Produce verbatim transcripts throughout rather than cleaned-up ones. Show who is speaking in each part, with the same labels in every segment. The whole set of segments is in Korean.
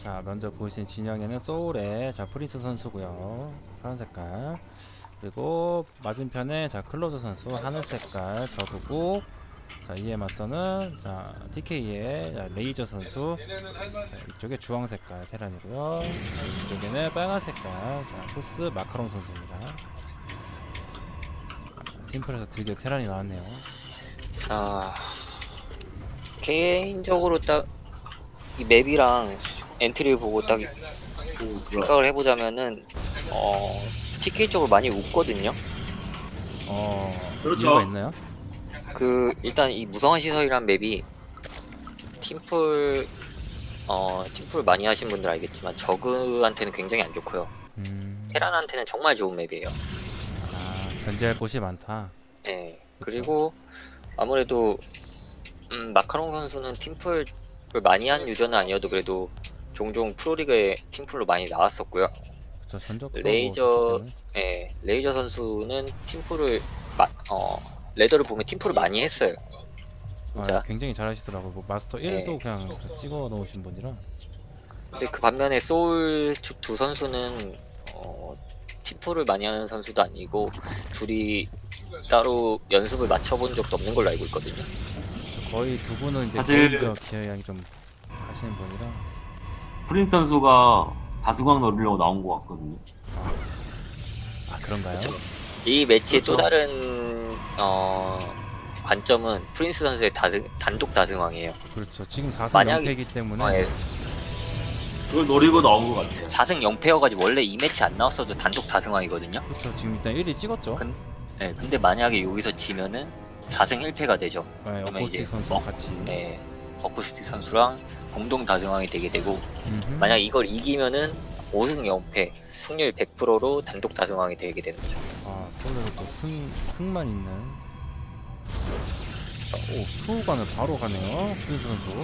Speaker 1: 자, 먼저 보이신 진영에는 소울의 자 프린스 선수고요. 파란 색깔. 그리고 맞은편에 자 클로저 선수 하늘 색깔 저그고, 자 이에 맞서는 자 티케이의 자, 레이저 선수. 자, 이쪽에 주황 색깔 테란이고요. 이쪽에는 빨간 색깔 자 토스 마카롱 선수입니다. 팀플에서 드디어 테란이 나왔네요.
Speaker 2: 자, 개인적으로 딱 이 맵이랑 엔트리를 보고 딱 생각을 해보자면은 어 티케이 쪽으로 많이 웃거든요.
Speaker 1: 어
Speaker 3: 그렇죠.
Speaker 1: 이유가 있나요?
Speaker 2: 그 일단 이 무성한 시설이란 맵이 팀플 어 팀플 많이 하신 분들 알겠지만 저그한테는 굉장히 안 좋고요.
Speaker 1: 음,
Speaker 2: 테란한테는 정말 좋은 맵이에요.
Speaker 1: 아 견제할 곳이 많다.
Speaker 2: 예. 그리고 아무래도 음, 마카롱 선수는 팀플을 많이 한 유저는 아니어도 그래도 종종 프로리그에 팀플로 많이 나왔었고요.
Speaker 1: 그쵸, 전적도
Speaker 2: 레이저
Speaker 1: 뭐 좋기 때문에.
Speaker 2: 예, 레이저 선수는 팀플을 마, 어 레더를 보면 팀플을 많이 했어요. 진짜.
Speaker 1: 아, 굉장히 잘하시더라고요. 뭐 마스터 일도
Speaker 2: 네.
Speaker 1: 그냥 다 찍어 놓으신 분이라.
Speaker 2: 근데 그 반면에 소울 측 두 선수는 어, 팀플을 많이 하는 선수도 아니고 둘이 따로 연습을 맞춰본 적도 없는 걸로 알고 있거든요.
Speaker 1: 거의 두 분은 이제
Speaker 3: 사실-
Speaker 1: 개인적 기여량이 좀 하시는 분이라.
Speaker 3: 프린스 선수가 다승왕 노리려고 나온 것 같거든요.
Speaker 1: 아 그런가요?
Speaker 2: 그쵸. 이 매치의 또
Speaker 3: 그렇죠.
Speaker 2: 다른 어, 관점은 프린스 선수의 다승, 단독 다승왕이에요.
Speaker 1: 그렇죠. 지금 사 승
Speaker 2: 만약에-
Speaker 1: 영 패이기 때문에.
Speaker 2: 어, 예.
Speaker 3: 그걸 노리고 나온 것 같아요.
Speaker 2: 사 승 영 패여가지고 원래 이 매치 안 나왔어도 단독 다승왕이거든요.
Speaker 1: 그렇죠. 지금 일단 일 위 찍었죠.
Speaker 2: 근- 네, 근데 만약에 여기서 지면은 사 승 일 패가 되죠.
Speaker 1: 네,
Speaker 2: 그러면 이제
Speaker 1: 어코스틱 선수
Speaker 2: 어,
Speaker 1: 같이.
Speaker 2: 네, 어쿠스틱 선수랑 공동 다승왕이 되게 되고,
Speaker 1: 음흠.
Speaker 2: 만약 이걸 이기면은 오 승 영 패, 승률 백 퍼센트로 단독 다승왕이 되게 되는 거죠.
Speaker 1: 아 폴로도 또 승, 승만 있는. 자, 오 투우관을 바로 가네요. 프린스 선수.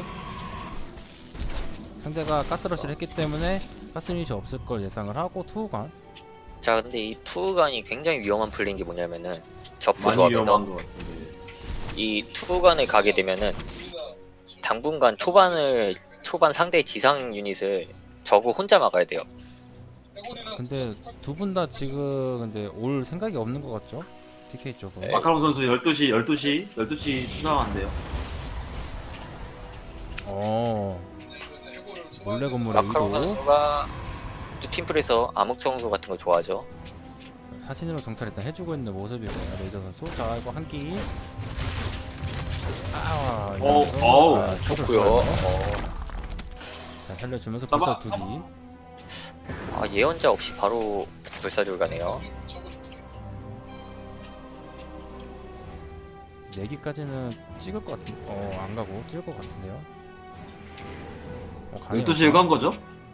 Speaker 1: 상대가 가스러시를 했기 때문에 가스 유닛이 없을 걸 예상을 하고 투우관.
Speaker 2: 자, 근데 이 투간이 굉장히 위험한 플레이인 게 뭐냐면은 저프
Speaker 3: 많이
Speaker 2: 조합에서
Speaker 3: 위험한 것 같은데.
Speaker 2: 이 투간을 가게 되면은 당분간 초반을 초반 상대의 지상 유닛을 저거 혼자 막아야 돼요.
Speaker 1: 근데 두 분 다 지금 근데 올 생각이 없는 것 같죠? 티케이 쪽은.
Speaker 2: 네.
Speaker 3: 마카롱 선수 열두 시, 열두 시, 열두 시 수상한데요.
Speaker 1: 어. 몰래 건물의
Speaker 2: 마카롱
Speaker 1: 의도.
Speaker 2: 선수가 또 팀플에서 암흑 성소 같은 거 좋아하죠.
Speaker 1: 사진으로 정찰 일단 해주고 있는 모습이고요. 레이저 선수. 자 이거 한 끼. 아,
Speaker 3: 어,
Speaker 1: 이러면서,
Speaker 3: 어우,
Speaker 1: 아, 초를
Speaker 2: 좋고요.
Speaker 1: 쏘아요.
Speaker 2: 어,
Speaker 1: 자 살려주면서
Speaker 3: 잡아,
Speaker 1: 불사 두
Speaker 3: 잡아.
Speaker 1: 기.
Speaker 2: 아, 예언자 없이 바로 불사줄 가네요.
Speaker 1: 네 기까지는 찍을 것 같은. 어, 안 가고 찍을 것 같은데요. 어, 가네요.
Speaker 3: 열두 시에 간 거죠?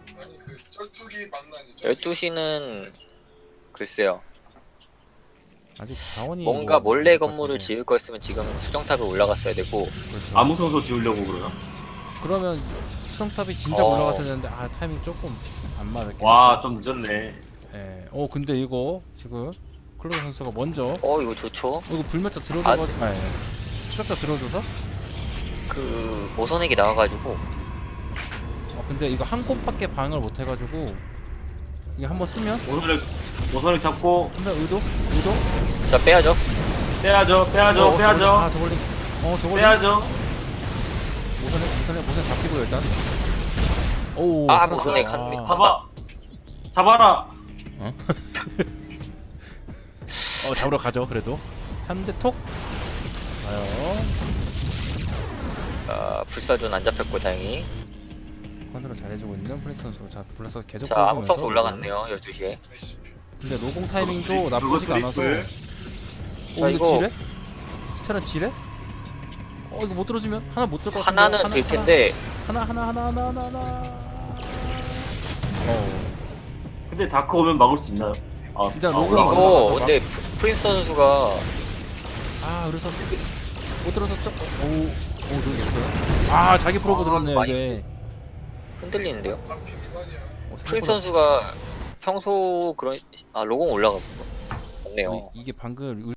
Speaker 2: 열두 시는 글쎄요.
Speaker 1: 아직 자원이
Speaker 2: 뭔가
Speaker 1: 뭐
Speaker 2: 몰래
Speaker 1: 없을 것
Speaker 2: 건물을
Speaker 1: 같은데.
Speaker 2: 지을 거였으면 지금 수정탑에 올라갔어야 되고,
Speaker 1: 그렇죠.
Speaker 3: 암흑 선수 지으려고 그러나?
Speaker 1: 그러면 수정탑이 진작
Speaker 2: 어.
Speaker 1: 올라갔어야 되는데 아 타이밍 조금 안 맞았겠죠.
Speaker 3: 와, 좀 늦었네.
Speaker 1: 예. 어 근데 이거 지금 클로저 선수가 먼저 어,
Speaker 2: 어, 이거 좋죠.
Speaker 1: 이거 불멸자 들어줘서
Speaker 2: 아,
Speaker 1: 아, 예. 추적자 들어줘서
Speaker 2: 그 모선액이 나와가지고
Speaker 1: 어 근데 이거 한 곳밖에 방을 못 해가지고 이게 한번 쓰면
Speaker 3: 모선을, 모선을 잡고
Speaker 1: 한번 의도 의도
Speaker 2: 자 빼야죠.
Speaker 3: 빼야죠, 빼야죠,
Speaker 1: 어,
Speaker 3: 빼야죠,
Speaker 1: 저걸링. 아 저걸링 어 저걸링
Speaker 3: 빼야죠.
Speaker 1: 모선에 모선에 모선 잡히고요 일단. 오
Speaker 2: 아,
Speaker 1: 살았어요.
Speaker 2: 모선액 한-
Speaker 1: 아.
Speaker 2: 한-
Speaker 3: 잡아, 잡아라.
Speaker 1: 어? 어 잡으러 가죠 그래도 한 대 톡 가요.
Speaker 2: 아, 불사조는 안 잡혔고 다행히.
Speaker 1: 컨트롤 잘해주고 있는 프린스 선수. 자 불러서 계속
Speaker 2: 자,
Speaker 1: 끌고
Speaker 2: 암흑성소
Speaker 1: 오면서
Speaker 2: 올라갔네요. 열두 시에.
Speaker 1: 근데 노공 타이밍도
Speaker 3: 그거
Speaker 1: 나쁘지가 않아서.
Speaker 3: 트리플.
Speaker 1: 어
Speaker 2: 자,
Speaker 1: 이거
Speaker 2: 이거-
Speaker 1: 지뢰? 테란 지뢰? 어 이거 못 들어주면 하나 못 들것 같은데.
Speaker 2: 하나는 들 텐데
Speaker 1: 하나 하나 하나 하나 하나 하나. 어
Speaker 3: 근데 다크 오면 막을 수 있나요? 아,
Speaker 1: 진짜
Speaker 3: 아,
Speaker 1: 로고
Speaker 3: 올라가.
Speaker 2: 이거
Speaker 1: 올라가.
Speaker 2: 근데 프- 프린스 선수가
Speaker 1: 아 그래서 못 들어졌죠? 오오 들어졌어요. 아 자기 프로브
Speaker 2: 아,
Speaker 1: 들었네요
Speaker 2: 많이
Speaker 1: 이게.
Speaker 2: 흔들리는데요.
Speaker 1: 어,
Speaker 2: 프린스
Speaker 1: 생각보다-
Speaker 2: 선수가 평소 그런 아 로공 올라갔고
Speaker 1: 어,
Speaker 2: 없네요.
Speaker 1: 이- 이게 방금